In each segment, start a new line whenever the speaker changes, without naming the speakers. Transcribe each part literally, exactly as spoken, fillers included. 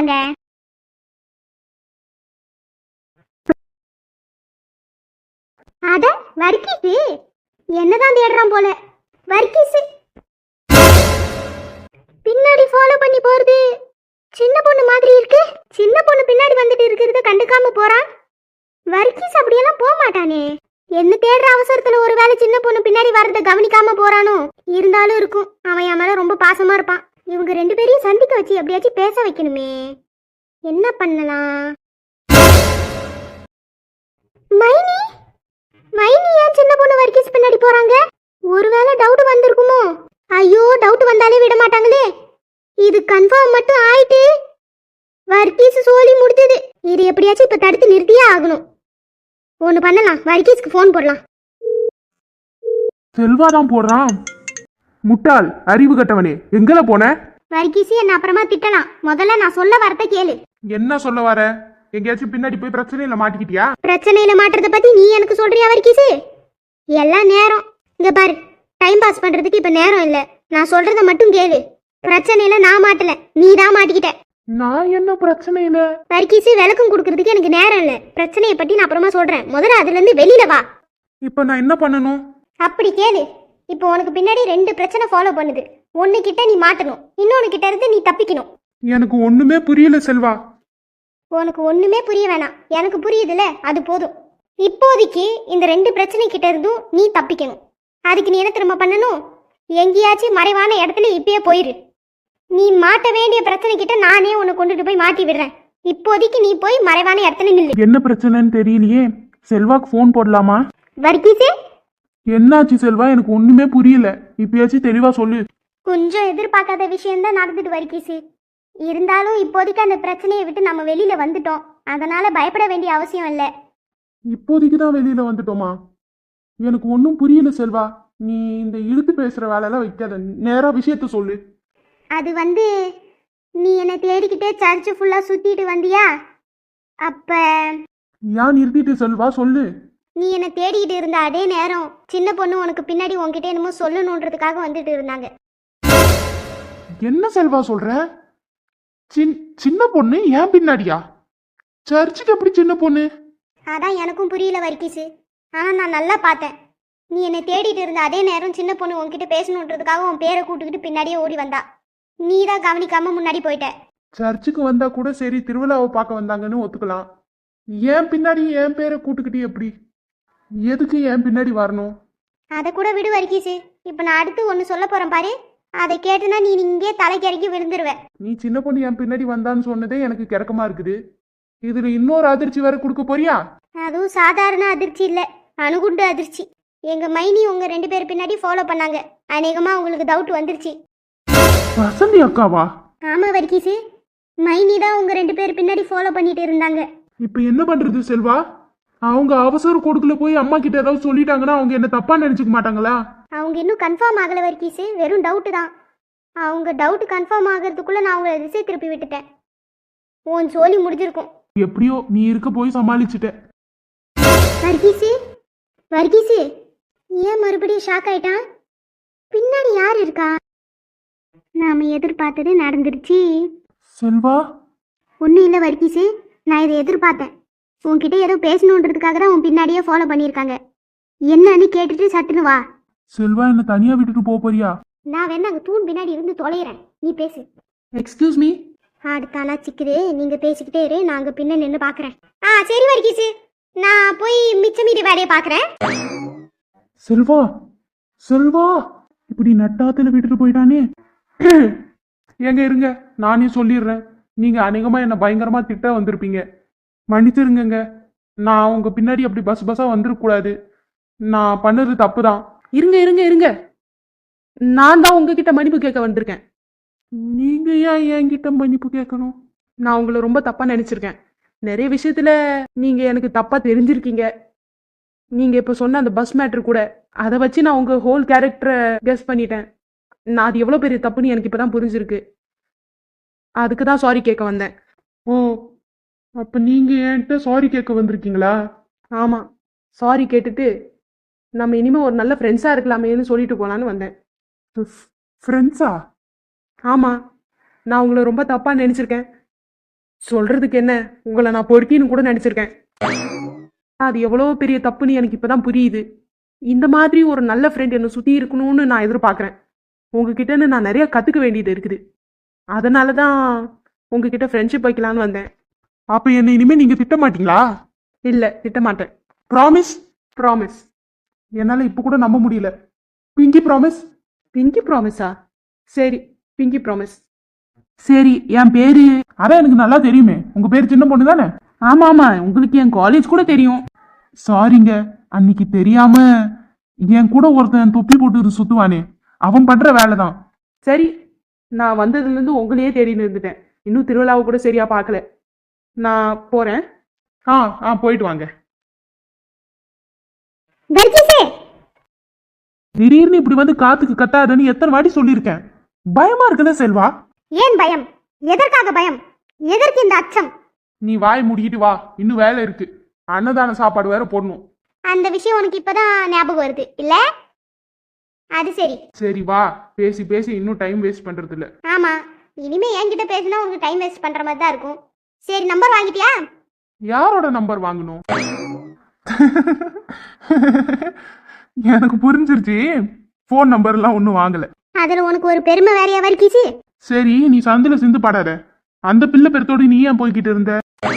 வந்தாங்க. அட வர்க்கீஸு என்னதான் தேடுறான் போல. வர்க்கீஸு பின்னாடி ஃபாலோ பண்ணி போறது சின்ன பொண்ணு மாதிரி இருக்கு. சின்ன பொண்ணு பின்னாடி வந்துட்டு இருக்கிறத கண்டுக்காம போறான். வர்க்கீஸ் அப்படியெல்லாம் போக மாட்டானே. என்ன தேடுற அவசரத்துல ஒருவேளை சின்ன பொண்ணு பின்னாடி வர்றத கவனிக்காம போறானோ. இருந்தாலும் இருக்கும், அவன் என் மேல ரொம்ப பாசமா இருப்பான். இவங்க ரெண்டு பேரையும் சந்திக்க வச்சு எப்படியாச்சும் பேச வைக்கணுமே. என்ன பண்ணலாம்? மைனி மைனி ஏன் சின்ன பொண்ணு வர்க்கீஸ் பின்னாடி போறாங்க? ஒருவேளை டவுட் வந்திருக்குமோ? ஐயோ, டவுட் வந்தாலே விட மாட்டாங்களே. இது கன்ஃபார்ம் மட்டும் ஆயிட்டு வர்க்கீஸ் சோலி முடிஞ்சது. இது எப்படியாச்சும் இப்ப தடுத்து நிறுத்தியே ஆகணும். ஒண்ணு பண்ணலாம், வர்க்கீஸ்க்கு ஃபோன் போடலாம்.
செல்வா தான் போடுறான். முட்டாள், அறிவு கட்டவனே, எங்கல போன?
வர்க்கீஸ் என்ன அப்புறமா திட்டலாம், முதல்ல நான் சொல்ல வரத கேளு.
என்ன சொல்ல வர? எங்கேயாச்சும் பின்னாடி போய் பிரச்சனையில மாட்டிக்கிட்டியா?
பிரச்சனையில மாட்டுறத பத்தி நீ எனக்கு சொல்றியா வர்க்கீஸ்? எல்லாம் நேரம். இங்க பாரு, டைம் பாஸ் பண்றதுக்கு இப்ப நேரம் இல்ல. நான் சொல்றத மட்டும் கேளு. பிரச்சனையில நான் மாட்டல, நீ தான் மாட்டிக்கிட்ட.
நான் என்ன பிரச்சனையில?
வர்க்கீஸ், விளக்கம் கொடுக்கறதுக்கு எனக்கு நேரம் இல்ல. பிரச்சனையை பத்தி நான் அப்புறமா சொல்றேன். முதல்ல அதுல இருந்து வெளியில வா.
இப்ப நான் என்ன பண்ணணும்?
அப்படி கேளு. இப்போ உனக்கு பின்னாடி ரெண்டு பிரச்சனை ஃபாலோ பண்ணுது. ஒன்னு கிட்ட நீ மாட்டணும், இன்னொன்னு கிட்ட இருந்து நீ தப்பிக்கணும்.
எனக்கு ஒண்ணுமே புரியல செல்வா.
உனக்கு ஒண்ணுமே புரிய வேணாம், எனக்கு புரியுதுல, அது போதும். இப்போதைக்கு இந்த ரெண்டு பிரச்சனை கிட்ட இருந்தும் நீ தப்பிக்கணும். அதுக்கு நீ என்ன திரும்ப பண்ணணும்? எங்கேயாச்சும் மறைவான இடத்துல இப்பயே போயிரு. நீ மாட்ட வேண்டிய பிரச்சனை கிட்ட நானே உன்னை கொண்டுட்டு போய் மாட்டி விடுறேன். இப்போதைக்கு நீ போய் மறைவான இடத்துல நில்லு.
என்ன பிரச்சனைன்னு தெரியலையே. செல்வாக்கு ஃபோன் போடலாமா?
வர்க்கீஸே,
என்னாச்சு செல்வா? எனக்கு ஒண்ணுமே புரியல. இப்பயாச்சும் தெளிவா சொல்லு.
கொஞ்சம் எதிர்பார்க்காத விஷயம்தான் நடந்துட்டு வர்க்கீஸு. இருந்தாலும் இப்போதைக்கு அந்த பிரச்சனையை விட்டு நம்ம வெளியில வந்துட்டோம். அதனால பயப்பட வேண்டிய அவசியம் இல்லை.
இப்போதைக்கு தான் வெளியில வந்துட்டோமா? எனக்கு ஒன்றும் புரியல செல்வா. நீ இந்த இழுத்து பேசுற வேலையெல்லாம் வைக்காத, நேரா விஷயத்த சொல்லு.
அது வந்து, நீ என்னை தேடிக்கிட்டே சர்ச்சு ஃபுல்லா சுத்திட்டு வந்தியா? அப்ப
ஏன் நிறுத்திட்டு செல்வா, சொல்லு.
நீ என்னை தேடிக்கிட்டு இருந்த அதே நேரம் சின்ன பொண்ணு உனக்கு பின்னாடி உன்கிட்ட என்னமோ சொல்லணுன்றதுக்காக வந்துட்டு இருந்தாங்க.
என்ன செல்வா சொல்ற? சின் சின்ன பொண்ணு ஏன் பின்னாடியா? சர்ச்சுக்கு எப்படி சின்ன பொண்ணு?
அதான் எனக்கும் புரியல வர்க்கீஸு. ஆனா நான் நல்லா பார்த்தேன். நீ என்னை தேடிட்டு இருந்த அதே நேரம் சின்ன பொண்ணு உன்கிட்ட பேசணுன்றதுக்காக உன் பேரை கூட்டுக்கிட்டு பின்னாடியே ஓடி வந்தா. நீ தான் கவனிக்காம முன்னாடி போயிட்ட.
சர்ச்சுக்கு வந்தா கூட சரி, திருவிழாவை பார்க்க வந்தாங்கன்னு ஒத்துக்கலாம். ஏன் பின்னாடி என் பேரை கூட்டுக்கிட்டு எப்படி? எதுக்கு என் பின்னாடி வரணும்?
அதை கூட விடு வர்க்கீஸு. இப்போ நான் அடுத்து ஒன்று சொல்ல போறேன் பாரு. அதை கேட்டுனா நீ இங்கே தலைக்கறக்கி விழுந்துருவ.
நீ சின்ன பொண்ணு என் பின்னாடி வந்தான்னு சொன்னதே எனக்கு கிறக்கமா இருக்குது. இதுல இன்னொரு அதிர்ச்சி வேற கொடுக்க போறியா?
அதுவும் சாதாரண அதிர்ச்சி இல்ல, அணுகுண்டு அதிர்ச்சி. எங்க மைனி உங்க ரெண்டு பேர் பின்னாடி ஃபாலோ பண்ணாங்க. அநேகமா உங்களுக்கு டவுட் வந்துருச்சு.
வசந்தி அக்காவா?
ஆமா வர்க்கீஸு, மைனி தான் உங்க ரெண்டு பேர் பின்னாடி ஃபாலோ பண்ணிட்டு இருந்தாங்க.
இப்ப என்ன பண்றது செல்வா? அவங்க அவசர கொடுக்கல போய் அம்மா கிட்ட ஏதாவது சொல்லிட்டாங்கன்னா அவங்க என்ன தப்பா நினைச்சுக்க மாட்டாங்களா?
அவங்க இன்னும் கன்ஃபார்ம் ஆகல வர்க்கீஸு, வெறும் டவுட்டு தான். அவங்க டவுட் கன்ஃபார்ம் ஆகிறதுக்குள்ள நான் அவங்கள திசை திருப்பி விட்டுட்டேன். உன் சோலி முடிஞ்சிருக்கும்.
எப்படியோ நீ இருக்க போய் சமாளிச்சுட்ட.
வர்க்கீஸு, வர்க்கீஸு, ஏன் மறுபடியும் ஷாக் ஆயிட்டான்? பின்னாடி யார் இருக்கா? நாம எதிர்பார்த்தது நடந்துருச்சு.
செல்வா,
ஒன்றும் இல்லை வர்க்கீஸு, நான் இதை எதிர்பார்த்தேன். உன்கிட்ட ஏதோ பேசணுன்றதுக்காக தான் உன் பின்னாடியே ஃபாலோ பண்ணியிருக்காங்க. என்னன்னு கேட்டுட்டு சட்டுன்னு வா.
செல்வா, என்ன தனியா விட்டுட்டு போக போறியா?
நான் வேணா அங்கே தூண் பின்னாடி இருந்து தொலைகிறேன், நீ பேசு.
Excuse me.
அடுத்தானா சிக்குது, நீங்க பேசிக்கிட்டே இரு, நான் அங்கே பின்ன நின்று பார்க்குறேன். ஆ சரி வர்க்கீஸு, நான் போய் மிச்ச மீதி வேலையை பார்க்குறேன்.
செல்வா, செல்வா, இப்படி நட்டாத்துல விட்டுட்டு போயிட்டானே. எங்க இருங்க, நானே சொல்லிடுறேன். நீங்க அநேகமா என்ன பயங்கரமா திட்ட வந்திருப்பீங்க. மன்னிச்சிருங்க. நான் உங்க பின்னாடி அப்படி பஸ் பஸ்ஸா வந்துடக்கூடாது. நான் பண்ணது தப்பு தான்.
இருங்க இருங்க இருங்க நான் தான் உங்ககிட்ட மன்னிப்பு கேட்க வந்திருக்கேன்.
நீங்க ஏன் என்கிட்ட மன்னிப்பு கேட்கணும்?
நான் உங்களை ரொம்ப தப்பா நினைச்சிருக்கேன். நிறைய விஷயத்துல நீங்க எனக்கு தப்பா தெரிஞ்சிருக்கீங்க. நீங்க இப்ப சொன்ன அந்த பஸ் மேட்ரு கூட, அதை வச்சு நான் உங்க ஹோல் கேரக்டரை கெஸ் பண்ணிட்டேன். நான் அது எவ்வளவு பெரிய தப்புன்னு எனக்கு இப்பதான் புரிஞ்சிருக்கு. அதுக்கு தான் சாரி கேட்க வந்தேன்.
ஓ, அப்ப நீங்க என்கிட்ட சாரி கேட்க வந்திருக்கீங்களா?
ஆமா, சாரி கேட்டுட்டு நம்ம இனிமே ஒரு நல்ல ஃப்ரெண்ட்ஸா இருக்கலாமேன்னு சொல்லிட்டு போலான்னு வந்தேன்.
ஃப்ரெண்ட்ஸா?
ஆமா, நான் உங்களை ரொம்ப தப்பா நினைச்சிருக்கேன். சொல்றதுக்கு என்ன, உங்களை நான் பொறுக்கின்னு கூட நினைச்சிருக்கேன். அது எவ்வளோ பெரிய தப்புன்னு எனக்கு இப்பதான் புரியுது. இந்த மாதிரி ஒரு நல்ல ஃப்ரெண்ட் என்னை சுற்றி இருக்கணும்னு நான் எதிர்பார்க்குறேன். உங்ககிட்டன்னு நான் நிறைய கற்றுக்க வேண்டியது இருக்குது. அதனால தான் உங்ககிட்ட ஃப்ரெண்ட்ஷிப் வைக்கலான்னு வந்தேன்.
அப்ப என்ன இனிமே நீங்க திட்ட மாட்டீங்களா?
இல்லை, திட்டமாட்டேன்.
ப்ராமிஸ்?
ப்ராமிஸ்.
என்னால இப்ப கூட நம்ப முடியல. Pinky promise?
பிங்கி ப்ராமிஸா? சரி, பிங்கி ப்ராமிஸ்.
சரி, என் பேரு அதான் எனக்கு நல்லா தெரியுமே. உங்க பேரு சின்ன பொண்ணு தானே?
ஆமாம் ஆமாம், உங்களுக்கு என் காலேஜ் கூட தெரியும்.
சாரிங்க, அன்னைக்கு தெரியாம என் கூட ஒருத்தன் தொப்பி போட்டு சுத்துவானே, அவன் பண்ற வேலை தான்.
சரி, நான் வந்ததுலேருந்து உங்களையே தேடின்னு இருந்துட்டேன். இன்னும் திருவிழாவை கூட சரியா பார்க்கல. நான் போகிறேன்.
ஆ ஆ போயிட்டு வாங்க.
வர்க்கீஸே,
திடீர்னு இப்படி வந்து காத்துக்கு கத்தாதன்னு எத்தனை வாட்டி சொல்லியிருக்கேன். பயமா இருக்குல்ல செல்வா?
ஏன் பயம்? எதற்காக பயம்? எதற்கு இந்த அச்சம்?
நீ வாய் முடிக்கிட்டு வா, இன்னும் வேலை இருக்கு. அன்னதான சாப்பாடு வேற போடணும்.
அந்த விஷயம் உனக்கு இப்பதான் ஞாபகம் வருது இல்ல? அது சரி.
சரி வா, பேசி பேசி இன்னும் டைம் வேஸ்ட் பண்றது இல்ல.
ஆமா, இனிமே என்கிட்ட பேசினா உனக்கு டைம் வேஸ்ட் பண்ற மாதிரி தான் இருக்கும். சரி, நம்பர் வாங்கிட்டியா?
யாரோட நம்பர் வாங்கணும்? எனக்கு புரிஞ்சிருச்சு. போன் நம்பர் எல்லாம் ஒன்னும் வாங்கல.
அதுல உனக்கு ஒரு பெருமை வேறையா வர்க்கீஸு?
சரி, நீ சந்தில சிந்து பாடாத. அந்த பிள்ளை பெருத்தோடு நீ ஏன் போய்கிட்டு இருந்த?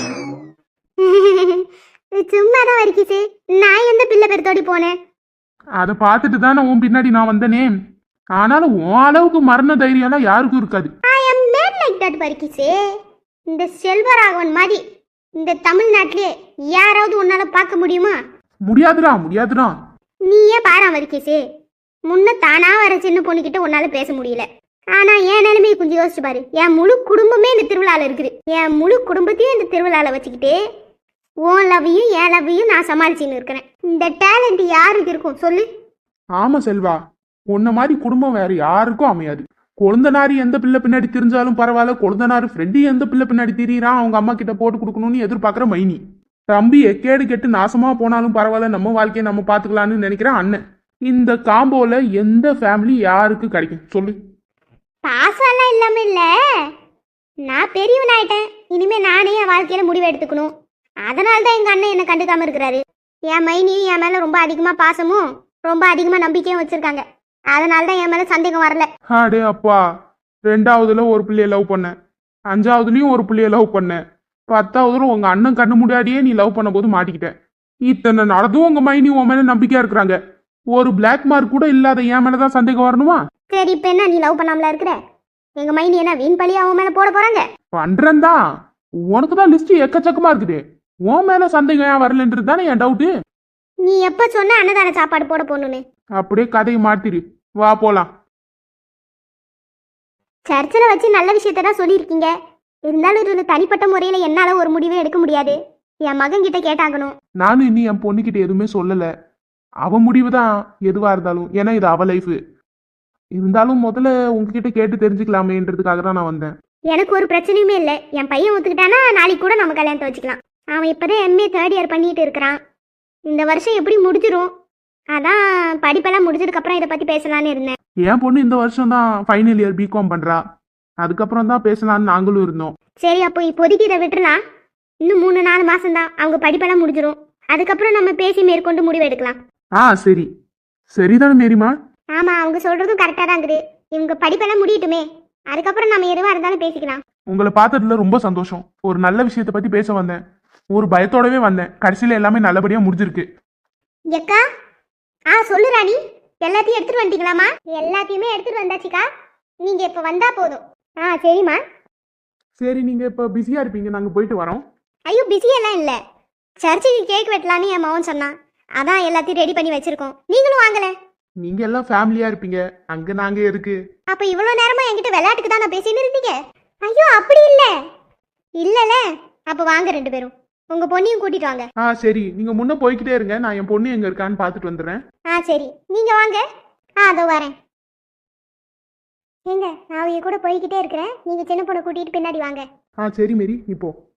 சும்மாதான் வர்க்கீஸு, நான் எந்த பிள்ளை பெருத்தோடி போனேன்?
அதை பார்த்துட்டு தானே உன் பின்னாடி நான் வந்தனே. ஆனாலும் உன் அளவுக்கு மரண தைரியம்லாம் யாருக்கும் இருக்காது.
I am mad like that வர்க்கீஸு. இந்த செல்வராகவன் மாதிரி இந்த தமிழ்நாட்டிலே யாராவது உன்னால பார்க்க முடியுமா?
முடியாதுடா முடியாதுடா.
நீயே பாரா வர்க்கீஸு, முன்ன தானா வர சின்ன பொண்ணுகிட்ட உன்னால பேச முடியல. ஆனா என் நிலைமையை கொஞ்சம் யோசிச்சு பாரு. என் முழு குடும்பமே இந்த திருவிழால இருக்குது. என் முழு குடும்பத்தையும் இந்த திருவிழால வச்சுக்கிட்டு உன் லவ்வையும் என் லவ்வையும் நான் சமாளிச்சுன்னு இருக்கிறேன். இந்த டேலண்ட் யாருக்கு இருக்கும் சொல்லு?
ஆமா செல்வா, உன்ன மாதிரி குடும்பம் வேற யாருக்கும் அமையாது. கொழுந்தனாரி எந்த பிள்ளை பின்னாடி திரிஞ்சாலும் பரவாயில்ல, கொழுந்தனாரு ஃப்ரெண்டு எந்த பிள்ளை பின்னாடி திரியிறான் அவங்க அம்மா கிட்ட போட்டு கொடுக்கணும்னு எதிர்பார்க்குற மைனி. தம்பி எக்கேடு கெட்டு நாசமா போனாலும் பரவாயில்ல, நம்ம வாழ்க்கையை நம்ம பார்த்துக்கலான்னு நினைக்கிற அண்ணன். இந்த காம்போல எந்த ஃபேமிலி யாருக்கு கிடைக்கும் சொல்லு?
பாசம்லாம் இல்லாம இல்ல, நான் பெரியவன் ஆயிட்டேன். இனிமே நானே என் வாழ்க்கையில முடிவு எடுத்துக்கணும். அதனால தான் எங்க அண்ணன் என்ன கண்டுக்காம இருக்கிறாரு. என் மைனியும் என் மேல ரொம்ப அதிகமா பாசமும் ரொம்ப அதிகமா நம்பிக்கையும் வச்சிருக்காங்க. அதனால தான் என் மேல சந்தேகம் வரல.
அடே அப்பா, ரெண்டாவதுல ஒரு பிள்ளைய லவ் பண்ணேன், அஞ்சாவதுலயும் ஒரு பிள்ளைய லவ் பண்ணேன், பத்தாவதுல உங்க அண்ணன் கண்ணு முன்னாடியே நீ லவ் பண்ண போது மாட்டிக்கிட்டேன். இத்தனை நடந்தும் உங்க மைனி உன் மேல நம்பிக்கையா இருக்கிறாங்க. ஒரு பிளாக் மார்க் கூட இல்லாத என் மேலதான் சந்தேகம் வரணுமா?
சரி, இப்ப என்ன நீ லவ் பண்ணாமல இருக்கிற? எங்க மைனி என்ன வீண் பழி அவன் மேல போட போறாங்க?
பண்றேன் தான். உனக்கு தான் லிஸ்ட் எக்கச்சக்கமா இருக்குது. உன் மேல சந்தேகம் ஏன் வரலன்றது தானே என் டவுட்டு.
நீ எப்ப சொன்ன அன்னதான சாப்பாடு போட போகணும்னு?
அப்படியே கதையை மாத்திரு, வா போலாம்.
சர்ச்சில் வச்சு நல்ல விஷயத்த தான் சொல்லியிருக்கீங்க. இருந்தாலும் இது தனிப்பட்ட முறையில் என்னால் ஒரு முடிவே எடுக்க முடியாது. என் மகன் கிட்ட கேட்டாகணும்.
நானும் இன்னும் என் பொண்ணுகிட்ட எதுவுமே சொல்லலை. அவ முடிவு தான் எதுவாக இருந்தாலும், ஏன்னா இது அவ லைஃப். இருந்தாலும் முதல்ல உங்ககிட்ட கேட்டு தெரிஞ்சுக்கலாமேன்றதுக்காக தான் நான் வந்தேன்.
எனக்கு ஒரு பிரச்சனையுமே இல்லை. என் பையன் ஒத்துக்கிட்டானா நாளைக்கு கூட நம்ம கல்யாணத்தை வச்சுக்கலாம். அவன் இப்போதான் எம்ஏ தேர்ட் இயர் பண்ணிட்டு இருக்கிறான். இந்த வருஷம் எப்படி முடிஞ்சிடும். அதான் படிப்பெல்லாம் முடிஞ்சதுக்கப்புறம் இதை பற்றி பேசலான்னு இருந்தேன்.
என் பொண்ணு இந்த வருஷம் தான் ஃபைனல் இயர் பிகாம் பண்ணுறா. அதுக்கப்புறம் தான் பேசலான்னு நாங்களும் இருந்தோம்.
சரி, அப்போ இப்போதைக்கு இதை விட்டுலாம். இன்னும் மூணு நாலு மாசம்தான், அவங்க படிப்பெல்லாம் முடிஞ்சிடும். அதுக்கப்புறம் நம்ம பேசி மேற்கொண்டு முடிவு எடுக்கலாம்.
ஆ சரி, சரிதானே மேரிமா?
ஆமாம், அவங்க சொல்கிறதும் கரெக்டாக தான் இருக்குது. இவங்க படிப்பெல்லாம் முடியட்டுமே, அதுக்கப்புறம் நம்ம எதுவாக இருந்தாலும் பேசிக்கலாம்.
உங்களை பார்த்ததுல ரொம்ப சந்தோஷம். ஒரு நல்ல விஷயத்தை பற்றி பேச வந்தேன். ஒரு பயத்தோடவே வந்தேன். கடைசியில் எல்லாமே நல்லபடியாக முடிஞ்சிருக்கு.
எக்கா, ஆ சொல்லு ராணி, எல்லாத்தையும் எடுத்துட்டு வந்துட்டீங்களாமா? எல்லாத்தையுமே எடுத்துட்டு வந்தாச்சுக்கா, நீங்க இப்ப வந்தா போதும். ஆ சரிம்மா.
சரி, நீங்க இப்போ பிஸியா இருப்பீங்க, நாங்க போயிட்டு வரோம்.
ஐயோ, பிஸியெல்லாம் இல்லை. சர்ச்சுக்கு கேக் வெட்டலான்னு என் மகன் சொன்னான். அதான் எல்லாத்தையும் ரெடி பண்ணி வச்சிருக்கோம். நீங்களும் வாங்கல.
நீங்க எல்லாம் ஃபேமிலியா இருப்பீங்க, அங்க நாங்க இருக்கு.
அப்ப இவ்வளவு நேரமா என்கிட்ட விளையாட்டுக்கு தான் நான் பேசின்னு இருந்தீங்க? ஐயோ அப்படி இல்ல. இல்லல, அப்ப வாங்க ரெண்டு பேரும், உங்க பொண்ணையும் கூட்டிட்டு வாங்க.
ஆ சரி, நீங்க முன்ன போய்கிட்டே இருங்க, நான் என் பொண்ணு எங்க இருக்கான்னு பார்த்துட்டு வந்துடுறேன்.
ஆ சரி, நீங்க வாங்க. ஆ அதோ வரேன். ஏங்க, நான் அவங்க கூட போய்கிட்டே இருக்கிறேன், நீங்க சின்ன பொண்ணை கூட்டிட்டு பின்னாடி வாங்க.
ஆ சரி மேரி, நீ போ.